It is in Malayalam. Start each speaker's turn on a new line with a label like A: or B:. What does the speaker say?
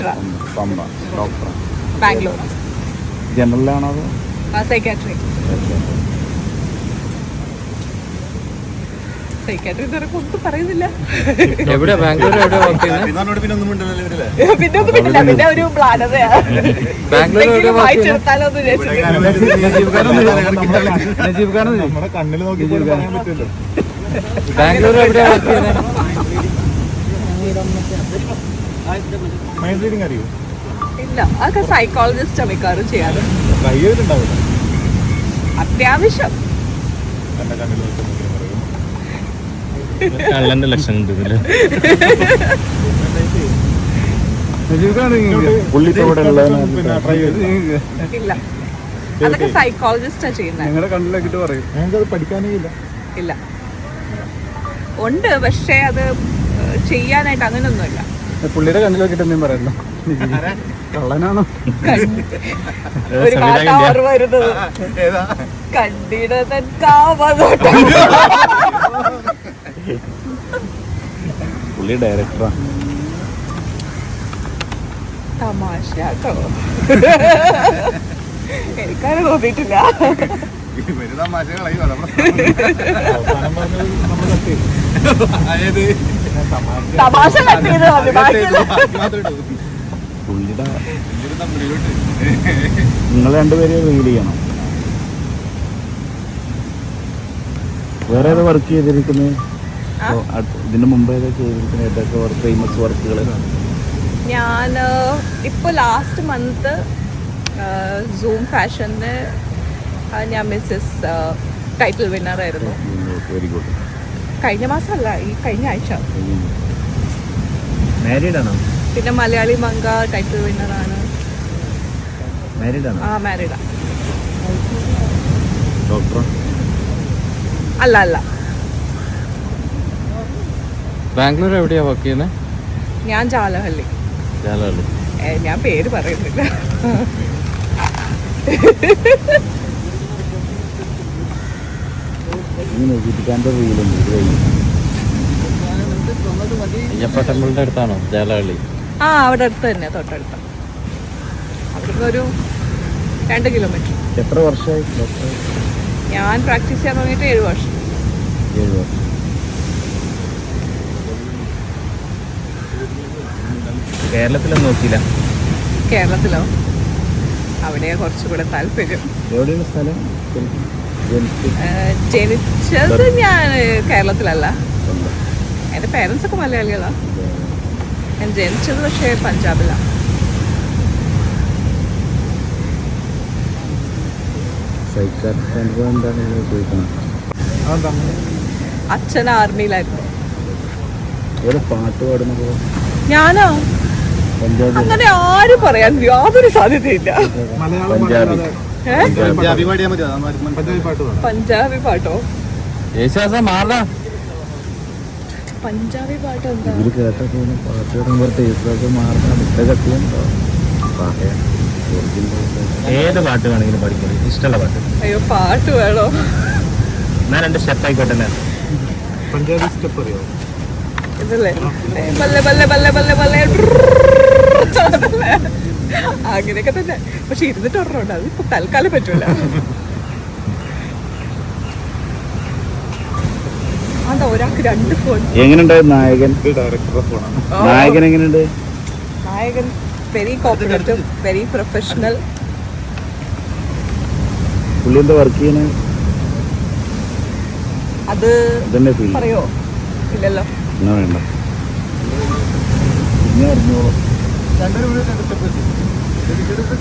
A: പമ്പ ഡോക്ടർ.
B: ബാംഗ്ലൂർ.
A: ജനറലാണോ അതോ
B: സൈക്കാട്രി ഒന്നും പറയുന്നില്ല.
C: എവിടെ ബാംഗ്ലൂർ എവിടെ വർക്ക് ചെയ്യുന്നത്?
B: പിന്നെ ഒന്നും പറ്റില്ല. പിന്നെ ഒരു ബ്ലാനതയാ.
C: ബാംഗ്ലൂർ
B: വായിച്ചെടുത്താലോ എന്ന്
A: നമ്മുടെ കണ്ണിൽ നോക്കി പറയാൻ പറ്റുമല്ലോ.
C: ബാംഗ്ലൂർ എവിടെ വർക്ക് ചെയ്യുന്നത്?
A: മൈൻഡ് റീഡിങ് അറിയോ?
B: ഇല്ല, അതൊക്കെ സൈക്കോളജിസ്റ്റ് മിക്കവാറും ചെയ്യാറ്.
A: ട്രൈ ചെയ്തിട്ടുണ്ടാവില്ല.
B: അത്യാവശ്യം
A: എന്റെ കണ്ണിൽ നോക്കി
C: കള്ളന്റെ ലക്ഷണം ഉണ്ട് ഇതില്.
A: പിന്നെ ട്രൈ ചെയ്ത്
B: ഇല്ല, അതൊക്കെ സൈക്കോളജിസ്റ്റാ ചെയ്യുന്നത്.
A: നിങ്ങളുടെ കണ്ണിലേക്കിട്ട് പറയും. ഞങ്ങൾക്കത് പഠിക്കാനേ ഇല്ല.
B: ഇല്ല, ഉണ്ട്, പക്ഷെ അത് ചെയ്യാനായിട്ട് അങ്ങനെയൊന്നുമില്ല.
A: പുള്ളിയുടെ കണ്ണിൽ നോക്കിട്ട് എന്തെങ്കിലും പറയല്ലോ. കള്ളനാണോ?
B: ഒരു പാട്ടാ ഓർമ്മ വരുന്നത്. കണ്ടിട കാവതോട്ടം.
A: പുള്ളി ഡയറക്ടറാ.
B: തമാശ കേട്ടോ. എനിക്കാരും തോന്നിയിട്ടില്ല. തമാശ കട്ടിയത്
A: പുള്ളിയുടെ നിങ്ങൾ രണ്ടുപേരും റീൽ ചെയ്യണം. വേറെ ഏതാ വർക്ക് ചെയ്തിരിക്കുന്നത്? ഇതിന് മുമ്പ് ഏതാ ചെയ്തിരിക്കുന്നത്? ഏതൊക്കെ ഫേമസ് വർക്കുകൾ?
B: ഞാൻ ഇപ്പൊ ലാസ്റ്റ് മന്ത് സൂം ഫാഷന് ഞാൻ മിസ്സസ് ടൈറ്റിൽ വിന്നർ ആയിരുന്നു.
A: Very good.
B: കഴിഞ്ഞ മാസമല്ല, ഈ കഴിഞ്ഞ ആഴ്ച.
A: മാരീഡ് ആണോ?
B: പിന്നെ മലയാളി മംഗ ടൈറ്റിൽ വിന്നർ ആണ്.
A: മാരീഡ് ആണോ?
B: ആ, മാരീഡാ.
A: ഡോക്ടർ
B: അല്ല അല്ല.
C: ബാംഗ്ലൂർ എവിടെയാ വർക്ക് ചെയ്യുന്നത്?
B: ഞാൻ ജാലഹള്ളി. ഞാൻ പേര് പറയുന്നില്ല.
C: അയ്യപ്പ ടെമ്പിളിന്റെ അടുത്താണോ ജാലഹള്ളി?
B: ആ, അവിടെ അടുത്ത് തന്നെ, തൊട്ടടുത്ത. അവിടുന്ന് ഒരു 2 കിലോമീറ്റർ.
A: എത്ര വർഷമായി ഡോക്ടർ?
B: ഞാൻ പ്രാക്ടീസ് ചെയ്യാൻ തുടങ്ങിയിട്ട് 7 വർഷം.
A: 7 വർഷം. കേരളത്തിലൊന്നും നോക്കിയില്ല?
B: കേരളത്തിലോ? അവിടെയാ കുറച്ചുകൂടെ താല്പര്യം.
A: എവിടെയാണ് സ്ഥലം?
B: ജനിച്ചത് ഞാൻ കേരളത്തിലല്ല. എൻ്റെ പേരൻസ് ഒക്കെ മലയാളികളാണ്. ഞാൻ ജനിച്ചത് പക്ഷേ പഞ്ചാബിലാണ്. അച്ഛൻ ആർമിയിലായിരുന്നു.
A: പാട്ട് പാടുന്നത്
B: ഞാനോ? അങ്ങനെ ആരും പറയാൻ യാതൊരു സാധ്യതയില്ല. പഞ്ചാബി പാട്ടോ? പഞ്ചാബി പാട്ടോ എന്താ?
A: ഏത് പാട്ട് വേണമെങ്കിലും പഠിക്കണം, ഇഷ്ടമുള്ള പാട്ട്.
B: അയ്യോ, പാട്ട് വേണോ?
A: ഞാൻ 2 സ്റ്റെപ്പ് ആയിക്കോട്ടെ. പഞ്ചാബി സ്റ്റെപ്പ് അറിയോ?
B: ഇതല്ലേ ബല്ലെ ബല്ലെ ബല്ലെ ബല്ലെ ബല്ലെ അങ്ങനെയൊക്കെ തന്നെ. പക്ഷെ ഇരുന്നിട്ട് ഓർമ്മയുണ്ട്, അത് ഇപ്പൊ തൽക്കാലം പറ്റൂല. അതാ ഒരാൾക്ക് 2 ഫോൺ.
A: എങ്ങനെയുണ്ട് നായകൻ? നായകൻ എങ്ങനെയുണ്ട്?
B: നായകൻ വെരി കോപ്പറേറ്റീവ്, വെരി പ്രൊഫഷണൽ.
A: പുള്ളി എന്താ വർക്ക് ചെയ്യണേ?
B: അത് പറയോ? ഇല്ലല്ലോ.
A: വേണ്ട, ഇനി അറിഞ്ഞോളൂ.